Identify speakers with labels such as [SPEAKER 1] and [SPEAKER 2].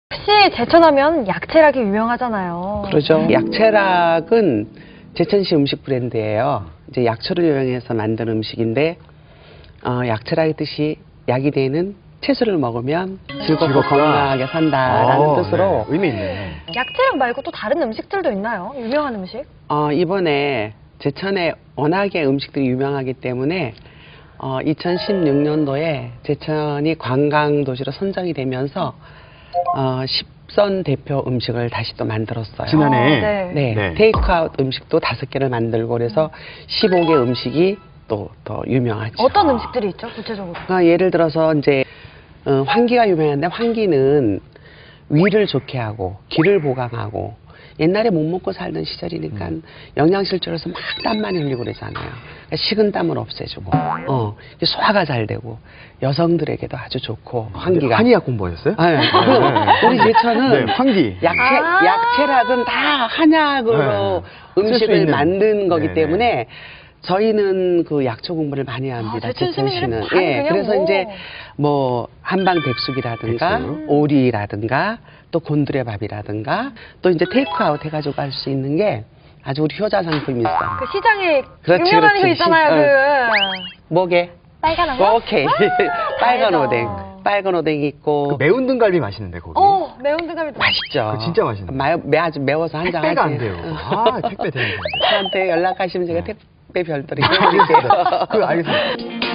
[SPEAKER 1] 혹시 제천하면 약채락이 유명하잖아요.
[SPEAKER 2] 그러죠. 약채락은 제천시 음식 브랜드예요. 이제 약초를 이용해서 만든 음식인데 약채락의 뜻이 약이 되는 채소를 먹으면 즐겁고 건강하게 산다라는 뜻으로
[SPEAKER 3] 네. 의미 있네.
[SPEAKER 1] 약채락 말고 또 다른 음식들도 있나요? 유명한 음식?
[SPEAKER 2] 이번에 제천에 워낙에 음식들이 유명하기 때문에 2016년도에 제천이 관광도시로 선정이 되면서 10선 대표 음식을 다시 또 만들었어요.
[SPEAKER 3] 지난해.
[SPEAKER 1] 네.
[SPEAKER 2] 네,
[SPEAKER 3] 네.
[SPEAKER 2] 테이크아웃 음식도 5개를 만들고 그래서 15개 음식이 또 더 유명하죠.
[SPEAKER 1] 어떤 음식들이 있죠, 구체적으로?
[SPEAKER 2] 예를 들어서 이제 환기가 유명한데 환기는 위를 좋게 하고 기를 보강하고 옛날에 못 먹고 살던 시절이니까 영양실조로서 막 땀 많이 흘리고 그러잖아요. 그러니까 식은땀을 없애주고 이게 소화가 잘 되고 여성들에게도 아주 좋고 환기가
[SPEAKER 3] 한의학 공부하셨어요?
[SPEAKER 2] 네. 우리 제천은
[SPEAKER 3] 네, 환기.
[SPEAKER 2] 약채락은 다 한약으로
[SPEAKER 3] 네. 쓸수
[SPEAKER 2] 음식을
[SPEAKER 3] 있는.
[SPEAKER 2] 만든 거기
[SPEAKER 3] 네네.
[SPEAKER 2] 때문에 저희는 그 약초 공부를 많이 합니다.
[SPEAKER 1] 제천
[SPEAKER 2] 제천시는.
[SPEAKER 1] 시민들은 그냥
[SPEAKER 2] 그래서
[SPEAKER 1] 뭐.
[SPEAKER 2] 이제 뭐 한방백숙이라든가
[SPEAKER 3] 백숙.
[SPEAKER 2] 오리라든가 또 곤드레밥이라든가 또 이제 테이크아웃 해가지고 갈 수 있는 게 아주 우리 효자 상품이 있어.
[SPEAKER 1] 그 시장에
[SPEAKER 2] 그렇지,
[SPEAKER 1] 유명한 거
[SPEAKER 2] 그렇지.
[SPEAKER 1] 있잖아요.
[SPEAKER 2] 뭐게?
[SPEAKER 1] 빨간 거?
[SPEAKER 2] 오케이. 빨간
[SPEAKER 1] 알죠.
[SPEAKER 2] 오뎅. 빨간 오뎅 있고.
[SPEAKER 3] 그 매운 등갈비 맛있는데 거기.
[SPEAKER 1] 매운 등갈비
[SPEAKER 2] 맛있죠.
[SPEAKER 3] 그거 진짜 맛있는데.
[SPEAKER 2] 아주 매워서 한장 하지.
[SPEAKER 3] 택배가 안 돼요. 택배 되는 건데.
[SPEAKER 2] 저한테 연락하시면 제가
[SPEAKER 3] 네.
[SPEAKER 2] 택배 별도로 해드릴게요.
[SPEAKER 3] 알겠습니다.